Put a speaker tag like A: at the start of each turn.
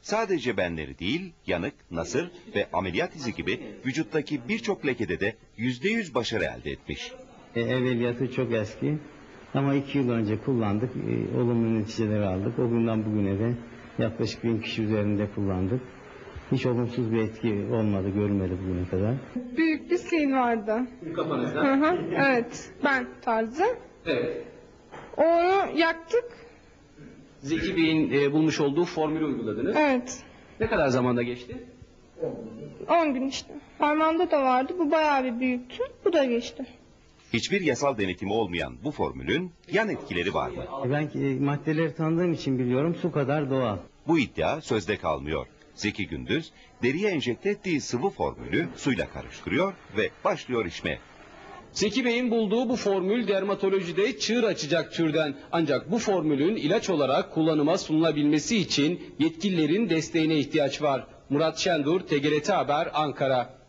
A: sadece benleri değil, yanık, nasır ve ameliyat izi gibi vücuttaki birçok lekede de %100 başarı elde etmiş.
B: Evveliyatı çok eski ama 2 yıl önce kullandık, olumlu neticeleri aldık. O günden bugüne de yaklaşık 1000 kişi üzerinde kullandık. Hiç olumsuz bir etki olmadı, görülmedi bugüne kadar.
C: Büyük bir sil vardı.
D: Kafanızda?
C: Hı hı, evet, ben tarzı.
D: Evet.
C: Onu yaktık.
D: Zeki Bey'in bulmuş olduğu formülü uyguladınız.
C: Evet,
D: Ne kadar zamanda geçti?
C: 10 gün işte. Parmağımda da vardı, bu bayağı bir büyüktü, bu da geçti.
A: Hiçbir yasal denetimi olmayan bu formülün yan etkileri var mı?
B: Ben maddeleri tanıdığım için biliyorum, su kadar doğal.
A: Bu iddia sözde kalmıyor. Zeki Gündüz, deriye enjekte ettiği sıvı formülü suyla karıştırıyor ve başlıyor içmeye.
D: Zeki Bey'in bulduğu bu formül dermatolojide çığır açacak türden. Ancak bu formülün ilaç olarak kullanıma sunulabilmesi için yetkililerin desteğine ihtiyaç var. Murat Şendur, TGRT Haber, Ankara.